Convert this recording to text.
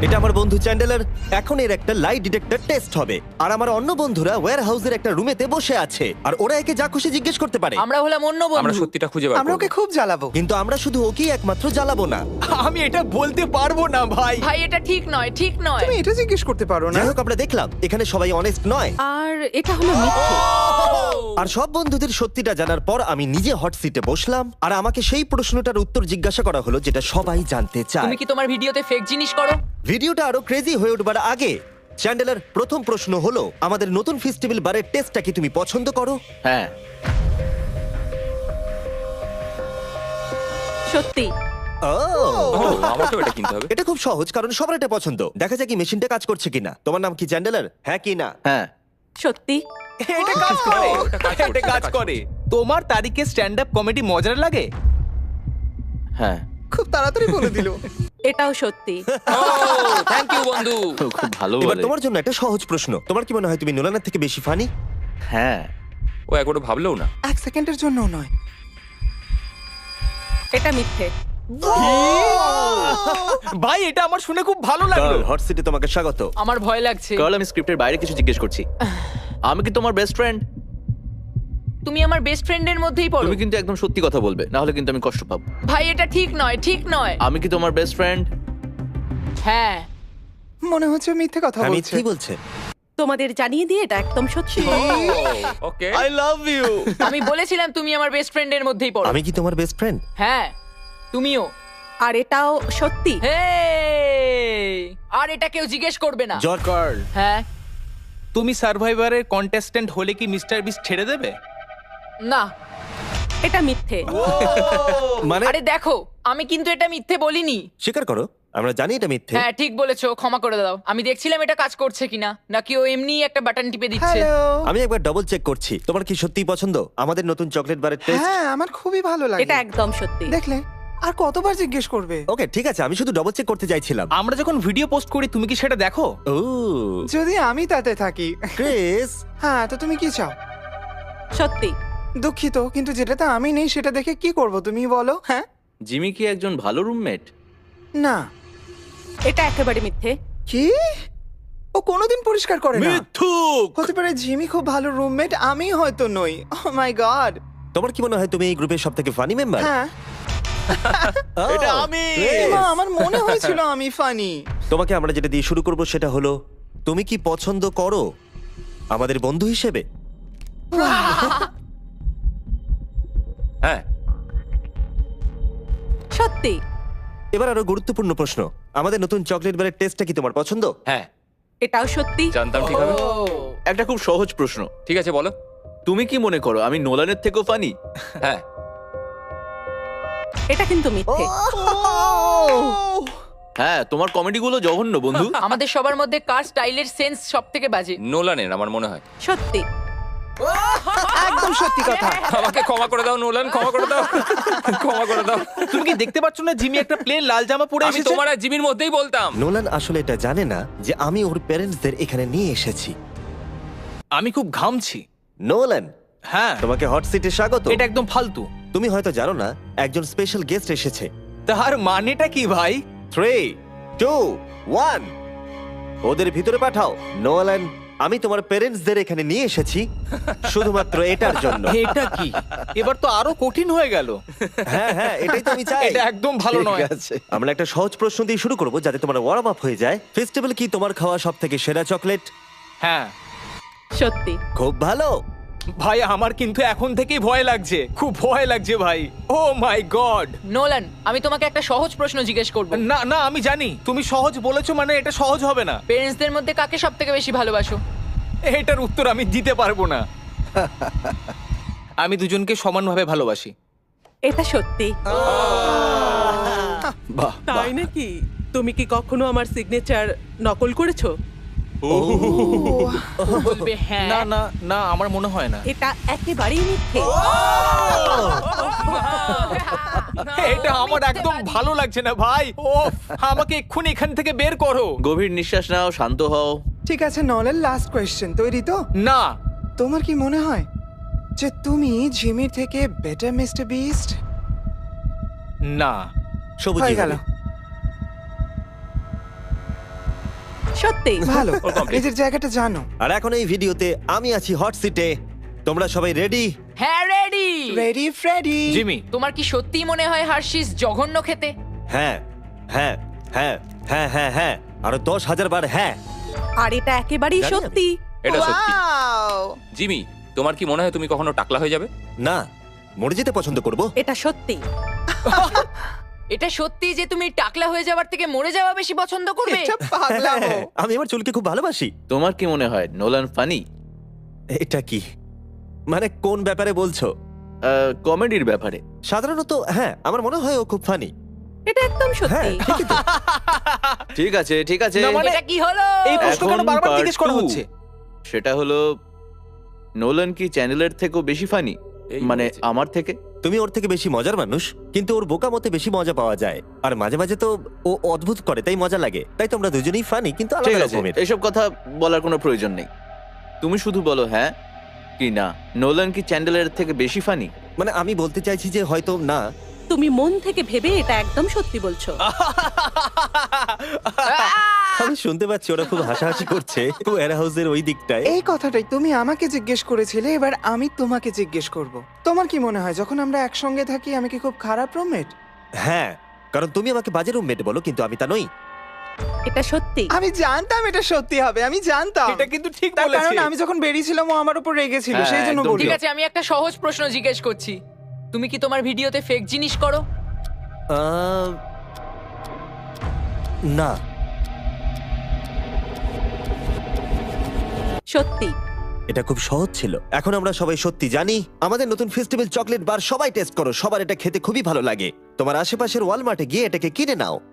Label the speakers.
Speaker 1: এটা আমার বন্ধু চ্যান্ডেলার। এখন এর একটা লাই ডিটেক্টর টেস্ট হবে, আর আমার অন্য বন্ধুরা ওয়্যার হাউসের একটা রুমেতে বসে আছে, আর ওরা একে যা খুশি জিজ্ঞেস করতে পারে।
Speaker 2: আমরা হলাম অন্য
Speaker 3: আমরা
Speaker 2: বন্ধু।
Speaker 3: সত্যিটা খুঁজে বার
Speaker 4: আমরা
Speaker 3: করব।
Speaker 4: ওকে খুব জ্বালাবো।
Speaker 1: কিন্তু আমরা শুধু ওকেই একমাত্র জ্বালাবো না।
Speaker 5: আমি এটা বলতে পারবো না ভাই।
Speaker 2: ভাই এটা ঠিক নয়, ঠিক নয়।
Speaker 4: তুমি এটা জিজ্ঞেস করতে পারো না।
Speaker 1: যাই হোক, আমরা দেখলাম এখানে সবাই অনেস্ট নয়,
Speaker 6: আর এটা হলো মিথ্যে।
Speaker 1: আর সব বন্ধুদের সত্যিটা জানার পর আমি নিজে হট সিটে বসলাম, আর আমাকে সেই প্রশ্নটার উত্তর জিজ্ঞাসা করা হলো যেটা সবাই জানতে চায়।
Speaker 2: তুমি কি তোমার ভিডিওতে ফেক জিনিস করো?
Speaker 1: ভিডিওটা আরো ক্রেজি হয়ে উঠবার আগে চ্যান্ডেলার, প্রথম প্রশ্ন হলো, আমাদের নতুন ফেস্টিভ্যাল বারের টেস্টটা কি তুমি পছন্দ করো?
Speaker 5: হ্যাঁ,
Speaker 6: সত্যি।
Speaker 1: ও,
Speaker 3: আমাকেও এটা কিনতে হবে।
Speaker 1: এটা খুব সহজ, কারণ সবার এটা পছন্দ। দেখা যাক কি মেশিনটা কাজ করছে কিনা। তোমার নাম কি চ্যান্ডেলার? হ্যাঁ কি না?
Speaker 5: হ্যাঁ,
Speaker 6: সত্যি।
Speaker 5: এটা কাজ করে, এটা কাজ করে। তোমার তারিখে স্ট্যান্ড আপ কমেডি মজার লাগে? হ্যাঁ,
Speaker 4: খুব তাড়াতাড়ি বলে দিল।
Speaker 6: এটাও সত্যি।
Speaker 3: থ্যাংক ইউ বন্ধু।
Speaker 5: খুব ভালো
Speaker 1: এবার
Speaker 5: বলে।
Speaker 1: তোমার জন্য একটা সহজ প্রশ্ন। তোমার কি মনে হয় তুমি নোলানের থেকে বেশি ফানি?
Speaker 5: হ্যাঁ,
Speaker 3: ও একবারও ভাবলেও না।
Speaker 4: এক সেকেন্ডের জন্যও নয়।
Speaker 6: এটা মিথ্যে।
Speaker 5: ভাই এটা আমার শুনে খুব ভালো লাগলো।
Speaker 1: হট সিটে তোমাকে স্বাগত।
Speaker 2: আমার ভয় লাগছে।
Speaker 5: কার্ল, আমি স্ক্রিপ্টের বাইরে কিছু জিজ্ঞেস করছি। আমি কি তোমার বেস্ট ফ্রেন্ড?
Speaker 2: তুমি আমার বেস্ট ফ্রেন্ডের মধ্যেই পড়ো।
Speaker 5: তুমি কিন্তু একদম সত্যি কথা বলবে, না হলে কিন্তু আমি কষ্ট পাবো।
Speaker 2: ভাই এটা ঠিক নয়, ঠিক নয়।
Speaker 5: আমি কি তোমার বেস্ট ফ্রেন্ড?
Speaker 2: হ্যাঁ।
Speaker 4: মনে হচ্ছে মিথ্যে কথা
Speaker 1: আমি
Speaker 4: বলছে।
Speaker 1: কি বলছে?
Speaker 6: তোমাদের জানিয়ে দিয়ে এটা একদম সত্যি।
Speaker 3: ওকে।
Speaker 5: I love you.
Speaker 2: আমি বলেছিলাম তুমি আমার বেস্ট ফ্রেন্ডের মধ্যেই পড়ো।
Speaker 1: আমি কি তোমার বেস্ট ফ্রেন্ড?
Speaker 2: হ্যাঁ, তুমিও।
Speaker 6: আর এটাও সত্যি।
Speaker 2: হেই! আর এটা কেউ জিজ্ঞেস করবে না।
Speaker 1: জর্জ,
Speaker 5: কার্ল,
Speaker 2: হ্যাঁ।
Speaker 5: তুমি সার্ভাইভারের কন্টেস্ট্যান্ট হলে কি মিস্টার বিস্ট ছেড়ে দেবে?
Speaker 2: না।
Speaker 6: এটা মিথ্যে।
Speaker 1: মানে
Speaker 2: আরে দেখো, আমি কিন্তু এটা মিথ্যে বলিনি।
Speaker 1: স্বীকার করো, আমরা জানি এটা মিথ্যে।
Speaker 2: হ্যাঁ ঠিক বলেছো, ক্ষমা করে দাও। আমি দেখছিলাম এটা কাজ করছে কিনা, নাকি ও এমনি একটা বাটন টিপে দিচ্ছে।
Speaker 4: হ্যালো।
Speaker 1: আমি একবার ডবল চেক করছি। তোমার কি সত্যিই পছন্দ আমাদের নতুন চকলেট বারের টেস্ট?
Speaker 4: হ্যাঁ, আমার খুবই ভালো লাগে।
Speaker 6: এটা একদম সত্যি।
Speaker 4: দেখলে, আর কতবার জিজ্ঞেস করবে?
Speaker 1: ওকে ঠিক আছে, আমি শুধু ডবল চেক করতে চাইছিলাম।
Speaker 5: আমরা যখন ভিডিও পোস্ট করি তুমি কি সেটা দেখো?
Speaker 1: ও
Speaker 4: যদি আমি তাতে থাকি।
Speaker 1: ক্রিস,
Speaker 4: হ্যাঁ, তো তুমি কি চাও?
Speaker 6: সত্যি।
Speaker 4: দুঃখিত, কিন্তু যেটাতে আমি নেই সেটা দেখে কি করব তুমি বলো? হ্যাঁ,
Speaker 5: জিমি কি একজন ভালো রুমমেট?
Speaker 4: না।
Speaker 6: এটা একেবারে মিথ্যে।
Speaker 4: কি? ও কোনোদিন পরিষ্কার করে না।
Speaker 5: মিথ্যুক।
Speaker 4: হতে পারে জিমি খুব ভালো রুমমেট, আমি হয়তো নই। Oh my god.
Speaker 1: তোমার কি মনে হয় তুমি এই গ্রুপের সবথেকে ফানি মেম্বার?
Speaker 4: হ্যাঁ,
Speaker 5: এটা আমি।
Speaker 4: এমা, আমার মনে হয়েছিল আমি ফানি।
Speaker 1: তোমাকে আমরা যেটা দিয়ে শুরু করব সেটা হলো, তুমি কি পছন্দ করো আমাদের বন্ধু হিসেবে?
Speaker 3: হ্যাঁ।
Speaker 6: সত্যি।
Speaker 1: এবার আরো গুরুত্বপূর্ণ প্রশ্ন, আমাদের নতুন চকলেট বারের টেস্টটা কি তোমার পছন্দ?
Speaker 3: হ্যাঁ,
Speaker 6: এটাও সত্যি।
Speaker 3: জানতাম ঠিক হবে।
Speaker 5: একটা খুব সহজ প্রশ্ন।
Speaker 3: ঠিক আছে বলো।
Speaker 5: তুমি কি মনে করো আমি নোলানের থেকেও ফানি?
Speaker 3: হ্যাঁ।
Speaker 6: এটা কিন্তু মিথ্যে।
Speaker 5: হ্যাঁ, তোমার কমেডিগুলো জঘন্য বন্ধু।
Speaker 2: আমাদের সবার মধ্যে কার স্টাইলের সেন্স সব থেকে বাজে?
Speaker 3: নোলানের আমার মনে হয়।
Speaker 6: সত্যি।
Speaker 4: একদম সত্যি কথা।
Speaker 3: আমাকে ক্ষমা করে দাও নোলান, ক্ষমা করে দাও। ক্ষমা করে দাও।
Speaker 5: তুমি কি দেখতে পাচ্ছ না জিমি একটা প্লেন লাল জামা পরে
Speaker 3: আমি
Speaker 5: এসেছে?
Speaker 3: তোমার আর জিমির মধ্যেই বলতাম।
Speaker 1: নোলান আসলে এটা জানে না যে আমি ওর প্যারেন্টসদের এখানে নিয়ে এসেছি।
Speaker 5: আমি খুব ঘামছি।
Speaker 1: নোলান,
Speaker 5: হ্যাঁ,
Speaker 1: তোমাকে হট সিটে স্বাগত।
Speaker 5: এটা একদম ফালতু।
Speaker 1: তুমি হয়তো জানো না, একজন স্পেশাল গেস্ট এসেছে।
Speaker 5: তার মানেটা কি ভাই?
Speaker 1: 3, 2, 1 ওদের ভিতরে পাঠাও। নোলান, আমি তোমার প্যারেন্টসদের এখানে নিয়ে এসেছি শুধুমাত্র এটার জন্য।
Speaker 5: এটা কি? এবার তো আরো কঠিন হয়ে গেল।
Speaker 1: হ্যাঁ হ্যাঁ, এটাই তো আমি চাই।
Speaker 5: এটা একদম ভালো
Speaker 1: ঠিক
Speaker 5: নয়।
Speaker 1: আছে, আমরা একটা সহজ প্রশ্ন দিয়ে শুরু করব যাতে তোমার ওয়ার্ম আপ হয়ে যায়। ফেস্টিভ্যাল কি তোমার খাওয়া সবথেকে সেরা চকলেট?
Speaker 5: হ্যাঁ
Speaker 6: সত্যি।
Speaker 1: খুব ভালো।
Speaker 5: ভাই, আমার কিন্তু এখন থেকেই ভয় লাগছে, খুব ভয় লাগছে ভাই। ও মাই গড।
Speaker 2: নোলান, আমি তোমাকে একটা সহজ প্রশ্ন জিজ্ঞেস করব।
Speaker 5: না না, আমি জানি তুমি সহজ বলেছো মানে এটা সহজ হবে না।
Speaker 2: পেরেন্টসদের মধ্যে কাকে সব থেকে বেশি ভালোবাসো?
Speaker 5: এটার উত্তর আমি দিতে পারবো না। আমি দুজনকে সমানভাবে ভালোবাসি।
Speaker 6: এটা সত্যি।
Speaker 5: বাহ,
Speaker 7: তাই নাকি? তুমি কি কখনো আমার সিগনেচার নকল করেছো?
Speaker 2: বলবে হ্যাঁ।
Speaker 5: না না না, আমার মনে হয় না।
Speaker 6: এটা একেবারেই মিথ্যে।
Speaker 5: এটা আমার একদম ভালো লাগছে না ভাই। ও, আমাকে এক্ষুনি এখান থেকে বের করো। গভীর নিঃশ্বাস নাও, শান্ত হও।
Speaker 4: ঠিক আছে, নলের লাস্ট কোয়েশ্চেন, তৈরি তো?
Speaker 5: না।
Speaker 4: তোমার কি মনে হয় যে তুমি জিমির থেকে বেটার মিস্টার বিস্ট?
Speaker 5: না।
Speaker 1: সবুজ
Speaker 4: হয়ে গেল।
Speaker 6: সত্যি
Speaker 4: ভালো
Speaker 3: ওর complete।
Speaker 4: নিজের জায়গাটা জানো।
Speaker 1: আর এখন এই ভিডিওতে আমি আছি হট সিটে। তোমরা সবাই রেডি?
Speaker 2: হ্যাঁ রেডি।
Speaker 4: Ready Freddie.
Speaker 5: জিমি
Speaker 2: তোমার কি সত্যিই মনে হয় হার্শিস জঘন্য খেতে?
Speaker 1: হ্যাঁ হ্যাঁ হ্যাঁ হ্যাঁ হ্যাঁ হ্যাঁ আরো 10,000 বার হ্যাঁ।
Speaker 6: আর এটা একেবারেই
Speaker 1: জানি আমি।
Speaker 6: সত্যি।
Speaker 3: এটা সত্যি
Speaker 4: Wow!
Speaker 3: জিমি, তোমার কি মনে হয় তুমি কখনো টাকলা হয়ে যাবে?
Speaker 1: না, মরে যেতে পছন্দ করব।
Speaker 6: এটা সত্যি।
Speaker 2: এটা সত্যি যে তুমি টাকলা হয়ে যাওয়ার থেকে মরে যাওয়া বেশি পছন্দ করবে?
Speaker 4: এটা পাগলামো।
Speaker 1: আমি আমার চুলকে খুব ভালোবাসি।
Speaker 5: তোমার কি মনে হয় নোলান ফানি?
Speaker 1: এটা কি মানে কোন ব্যাপারে বলছো?
Speaker 5: কমেডির ব্যাপারে।
Speaker 1: সাধারণত হ্যাঁ, আমার মনে হয় ও খুব ফানি।
Speaker 6: এটা একদম
Speaker 1: হ্যাঁ
Speaker 6: সত্যি।
Speaker 1: ঠিকই তো।
Speaker 5: ঠিক আছে ঠিক আছে,
Speaker 4: না, মানে-
Speaker 2: এটা কি হলো?
Speaker 4: এই প্রশ্ন কেন
Speaker 5: এখন
Speaker 4: বারবার
Speaker 5: part
Speaker 4: জিজ্ঞেস করা
Speaker 5: 2
Speaker 4: হচ্ছে?
Speaker 5: সেটা হলো নোলান কি চ্যানেলের থেকেও বেশি ফানি?
Speaker 3: এই
Speaker 5: মানে
Speaker 3: হয়েছে।
Speaker 5: আমার থেকে?
Speaker 1: তুমি ওর থেকে বেশি মজার মানুষ, কিন্তু ওর বোকা মতে বেশি মজা পাওয়া যায়। আর মাঝে মাঝে তো ও অদ্ভুত করে, তাই মজা লাগে। তাই তোমরা দুজনেই ফানি, কিন্তু
Speaker 5: ঠিক
Speaker 1: আলাদা
Speaker 5: আছে,
Speaker 1: রকমের।
Speaker 5: এসব কথা বলার কোনো প্রয়োজন নেই। তুমি শুধু বলো হ্যাঁ কি না। নোলান কি চ্যান্ডেলের থেকে বেশি ফানি?
Speaker 1: মানে আমি বলতে চাইছি যে হয়তো না।
Speaker 6: তুমি মন থেকে ভেবে এটা একদম সত্যি বলছো।
Speaker 1: আমি শুনতে পাচ্ছি ওরা খুব হাসাহাসি করছে ওয়্যার হাউসের ওই দিকটায়।
Speaker 4: এই কথাটাই তুমি আমাকে জিজ্ঞেস করেছিলে, এবার আমি তোমাকে জিজ্ঞেস করব। তোমার কি মনে হয় যখন আমরা একসঙ্গে থাকি আমি কি খুব খারাপ রুমমেট?
Speaker 1: হ্যাঁ, কারণ তুমি আমাকে বাজে রুমমেট বলো, কিন্তু আমি তা নই।
Speaker 6: এটা সত্যি।
Speaker 4: আমি জানতাম এটা সত্যি হবে, আমি জানতাম।
Speaker 5: এটা কিন্তু ঠিক
Speaker 4: তার
Speaker 5: বলেছে।
Speaker 4: কারণ আমি যখন বেরিয়েছিলাম ও আমার উপর রেগেছিল,
Speaker 5: হ্যাঁ,
Speaker 4: সেই জন্য
Speaker 5: একদম
Speaker 4: বলি।
Speaker 2: ঠিক আছে, আমি একটা সহজ প্রশ্ন জিজ্ঞেস করছি। তুমি কি তোমার ভিডিওতে ফেক জিনিস করো?
Speaker 1: না।
Speaker 6: সত্যি।
Speaker 1: এটা খুব সহজ ছিল। এখন আমরা সবাই সত্যি জানি। আমাদের নতুন ফেস্টিভ্যাল চকলেট বার সবাই টেস্ট করো, সবার এটা খেতে খুবই ভালো লাগে। তোমার আশেপাশের ওয়ালমার্টে গিয়ে এটাকে কিনে নাও।